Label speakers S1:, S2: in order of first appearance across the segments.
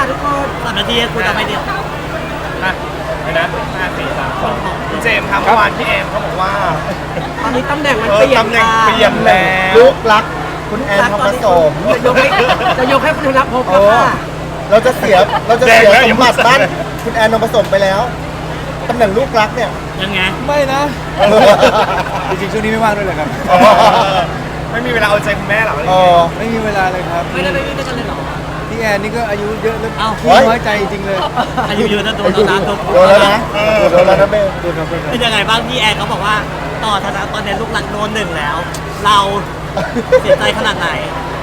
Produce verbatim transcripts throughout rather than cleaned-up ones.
S1: ค่ะทุกคน
S2: สามนาทีคุณทำไมเดียว
S3: นะไปนะห้าสี่สามสองคุณเจมส์ครับเมื่อวานพี่เอมเขาบอกว่า
S1: ตอนนี้ตำแหน่งมัน
S3: เอ
S1: เป
S3: อ
S1: ลี่ยน
S3: ตำแหน่งเปลี่ยนแล้ว
S4: ลูกรักคุณแอนทองผสม
S1: จะยกให้จะยกให้คุณธนภพ
S4: เอ
S1: แล้ว
S4: อ
S1: ค่ะ
S4: เราจะเสียเราจะเสียสมบัติบ้านคุณแอนทองผสมไปแล้วตำแหน่งลูกรักเนี่ย
S2: ยังไง
S5: ไม่นะ จริงๆช่วงนี้ไม่ว่างด้วยเลยครับ
S3: ไม่มีเวลาเอาใจคุณแม่หรอ
S4: เออ
S5: ไม่มีเวลาเลยครับ
S2: ไม่ได้ไปวิ่งด้วยกันเลยเหรอ
S5: พี่แอนนี่ก็อายุเยอะแล้ว
S2: เอ้า
S5: ขี้น้อยใจจริงๆเลย
S2: อายุเยอะนะโดนแล้วนะ
S4: โดนแล้วนะโดนแล้วนะเบล
S5: ดูครับดูครับ
S2: เป็นยังไงบ้างพี่แอนเขาบอกว่าต่อธนาตอนนี้ลูกหลังโดนหนึ่งแล้ว เราเสียใจขนาดไหน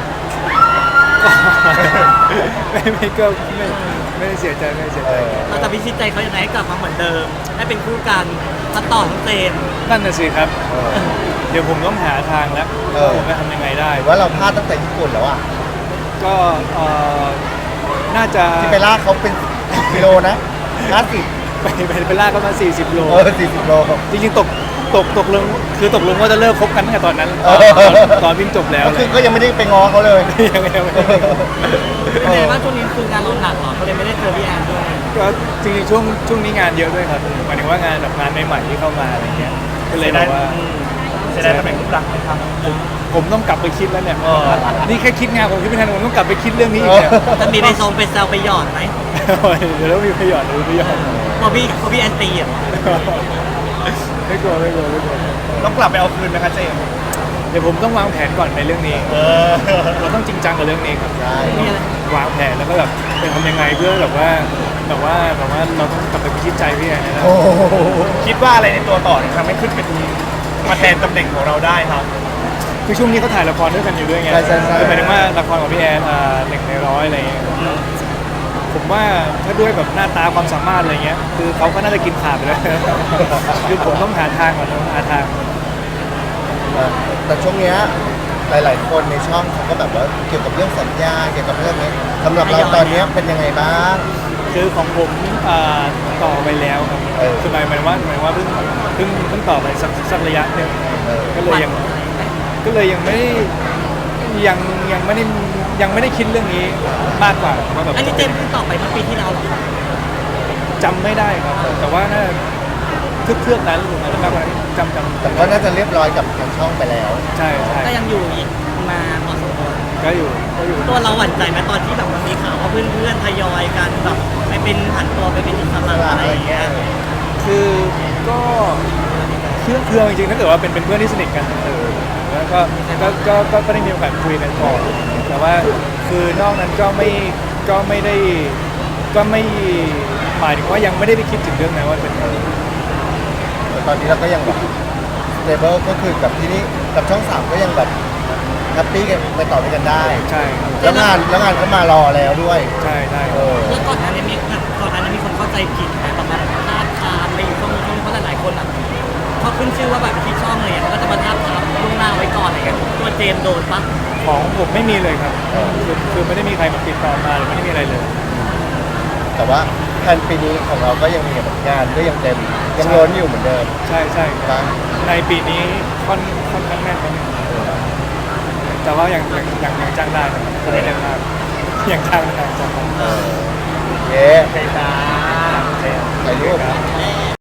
S5: ไม่ไม่ก็ไม่ไม่ได้เสียใจไม่ได้เสีย
S4: เอ
S5: ใจ
S4: อ
S2: เราจะพิชิตใจเขายังไงให้กลับมาเหมือนเดิมให้เป็นคู่กันทั้งต่อทั้งเจน
S5: นั่นน่ะสิครับ
S4: เออ
S5: เดี๋ยวผมต้องหาทางแล้ว
S4: เออ
S5: ผมจะทำยังไงได้
S4: หรือว่าเราพลาดตั้งแต่ญี่ปุ่นแล้วอ่ะ
S5: ก็เอ่อน่าจะ
S4: ที่ไปลากเขาเป็นกิโลนะห้าสิบ
S5: ไปไปไปลากกันมาสี่สิบโล
S4: เออสี่สิบโลครับ
S5: จริงๆตกตกตกลงคือตกลงว่าจะเลิกคบกันตั้งแต่ตอนนั้น
S4: เออ
S5: ตอนวิ่งจบแล้ว
S4: ก็คือก็ยังไม่ได้ไปง้อเขาเลย
S5: ยังยังไม่ได้
S2: เป็นไงบ้างช่วงนี้คืองานเราหนักเหรอก็เลยไม่ได้เจอพี่แอนด้วย
S5: ก็จริงๆช่วงช่วงนี้งานเยอะด้วยครับหมายถึงว่างานแบบงานใหม่ๆที่เข้ามาอะไรเงี้ยก็เลยแบบว่า
S3: เสียดายตำแหน่งลูกรักไหมครับ
S5: ผมผมต้องกลับไปคิดแล้วเนี่ย
S3: เออ
S5: นี่แค่คิดงานผมคิดไม่ทันผมต้องกลับไปคิดเรื่องนี้อีกเนี่ย
S2: จะมีไปทรงไปแซวไปหยอดไหม
S5: เดี๋ยวต้องมีประโยชน์หรือประโยชน์
S2: พอพี่พอพี่แอนตีอ่ะ
S5: ไม่กลัวไม่กลัวไม่กลัว
S3: ต้องกลับไปเอาคืนไหมคะเจมส์
S5: เดี๋ยวผมต้องวางแผนก่อนในเรื่องนี้
S3: เออ
S5: เราต้องจริงจังกับเรื่องนี้ครับ
S4: ใช่
S2: มีอะไร
S5: วางแผนแล้วก็แบบจะทำยังไงเพื่อแบบว่าแบบว่าแบบว่าเราต้องกลับไปพิชิตใจพี่แอนนะ
S4: โอ้โห
S3: คิดว่าอะไรในตัวต่อเนี่ยทำให้ขึ้นเป็นมาแทนตำแหน่งของเราได้ครับ
S5: คือช่วงนี้เขาถ่ายละครด้วยกันอยู่ด้วยไง
S4: ใช่ใช่ใช่
S5: คือหมายถึงว่าละครของพี่แอนอ่าหนึ่งในร้อยอะไรเงี้ยผมว่าถ้าด้วยแบบหน้าตาความสามารถอะไรเงี้ยคือเขาก็น่าจะกินขาดไปแล้ว คือผมต้องหาทางก่อนต้องหาทาง
S4: แต่ช่วงเนี้ยหลาย ๆ คนในช่องเขาก็แบบว่าเกี่ยวกับเรื่องสัญญาเกี่ยวกับเรื่องนี้สำหรับเราตอนเนี้ยเป็นยังไงบ้าง
S5: คือของผมอ่าต่อไปแล้วครับ
S4: เออ
S5: คือหมายหมายว่าหมายว่าเพิ่งเพิ่งเพิ่งต่อไปสักสักระยะหนึ่ง
S4: เออ
S5: ก็เลยยังก็เลยยังไม่ได้ยังยังไม่ได้ยังไม่ได้คิดเรื่องนี้มากกว่าว่าแบบ
S2: อันนี้เจมส์เพิ่งตอบไปเมื่อปีที่แล้วเหรอ
S5: จำไม่ได้ครับแต่ว่าน่าทึกเทือกนั้นหรืออะไรมากกว่านั้นจำจำ
S4: แต่ก็น่าจะเรียบร้อยกับทางช่องไปแล้ว
S5: ใช่ใช่
S2: ก็ยังอยู่อีกมาพอสมควร
S5: ก็อยู่ก็อยู่
S2: ตัวเราหวั่นใจไหมตอนที่แบบมันมีข่าวว่าเพื่อนๆทยอยกันแบบไปเป็นหันตัวไปเป็นอิสระอะไรอย่างเงี้ย
S5: คือก็เครื่องเครื่องจริงๆถ้าเกิดว่าเป็นเป็นเพื่อนที่สนิทกันเออแล้วก็ก็ก็ก็ก็ได้มีโอกาสคุยกันก่อนแต่ว่าคือนอกนั้นก็ไม่ก็ไม่ได้ก็ไม่หมายถึงว่ายังไม่ได้ไปคิดถึงเรื่องนั้นว่าเป็นอะไร
S4: แต่ตอนนี้เราก็ยังแบบสเตเบิลก็คือกับที่นี่กับช่องสามก็ยังแบบแฮปปี้กันไปต่อด้วยกันได้
S5: ใช่ครับ
S4: แล้วงานแล้วงานก็มารอแล้วด้วย
S5: ใช่ใช่
S4: เออ
S2: แล้วก่อนหน้านี้มีก่อนหน้านี้มีคนเข้าใจผิดไหมแบบว่าทาบทามอะไรอยู่ช่วงนี้ช่วงนี้เพราะหลายๆคนอ่ะพอขึ้นชื่อว่าแบบที่ช่องเลยอ่ะเขาก็จะมาทาบทามล่วงหน้าไว้ก่อนอะไรเงี้ยตัวเจมส์โดนปะ
S5: ของผมไม่มีเลยครับ
S4: เออ
S5: คือคือไม่ได้มีใครมาติดต่อมาหรือไม่ได้มีอะไรเลย
S4: แต่ว่าแผนปีนี้ของเราก็ยังมีแบบงานก็ยังเต็มยังล้นอยู่เหมือนเดิม
S5: ใช่ใช่ครับ
S4: บ้าง ใน
S5: ในปีนี้ค่อนค่อนข้างแน่นนิดนึงแต่ว่ายังยังยังยังจ้างได้นะครับไม่ได้เรื่องมากยังจ้างได้จ้างได้
S4: เย้
S3: ใช่จ้าเจมส์
S4: ถ่ายรูป
S5: ครับ
S2: โอ